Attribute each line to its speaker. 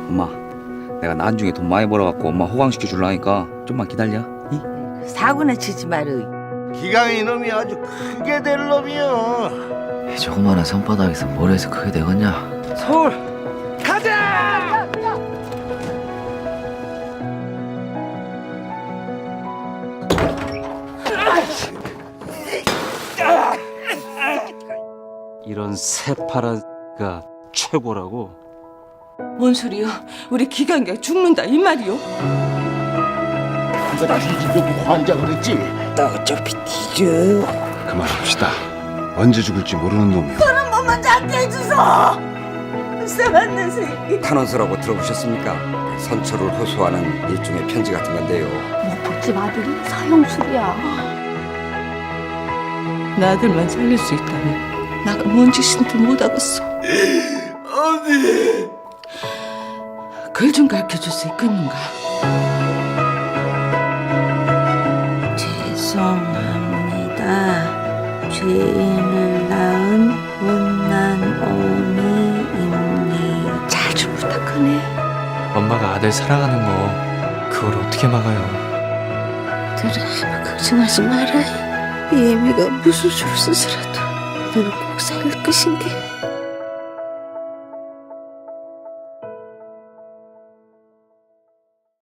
Speaker 1: 엄마, 내가 나중에 돈 많이 벌어갖고 엄마 호강시켜 줄라니까 좀만 기다려. 이?
Speaker 2: 사고나 치지 말어.
Speaker 3: 기강이 놈이 아주 크게 될 놈이여.
Speaker 4: 이 조그마한 손바닥에서 뭘 해서 크게 되겠냐?
Speaker 3: 서울 가자.
Speaker 5: 이런 새파라가 최고라고.
Speaker 2: 뭔 소리요? 우리 기강이가 죽는다 이 말이요?
Speaker 3: 이거 다시 집에 환장을 했지.
Speaker 2: 나 어차피 뒤져.
Speaker 6: 그만합시다. 언제 죽을지 모르는 놈이요.
Speaker 2: 한 번만 잡게 해주소. 쎄맞는 새끼.
Speaker 7: 탄원서라고 들어보셨습니까? 선처를 호소하는 일종의 편지 같은 건데요.
Speaker 8: 목복집 아들이 서영술이야.
Speaker 2: 나 아들만 살릴 수 있다면 나가 뭔 짓인지 못하겠어. 어디? 글 좀 가르쳐줄 수 있겠는가? 죄송합니다. 죄인을 낳은 못난 어미입니다. 자주 부탁하네.
Speaker 4: 엄마가 아들 사랑하는 거 그걸 어떻게 막아요?
Speaker 8: 너는 아무 걱정하지 마라. 이 애미가 무슨 수를 쓰더라도 너는 꼭 살릴 것인데.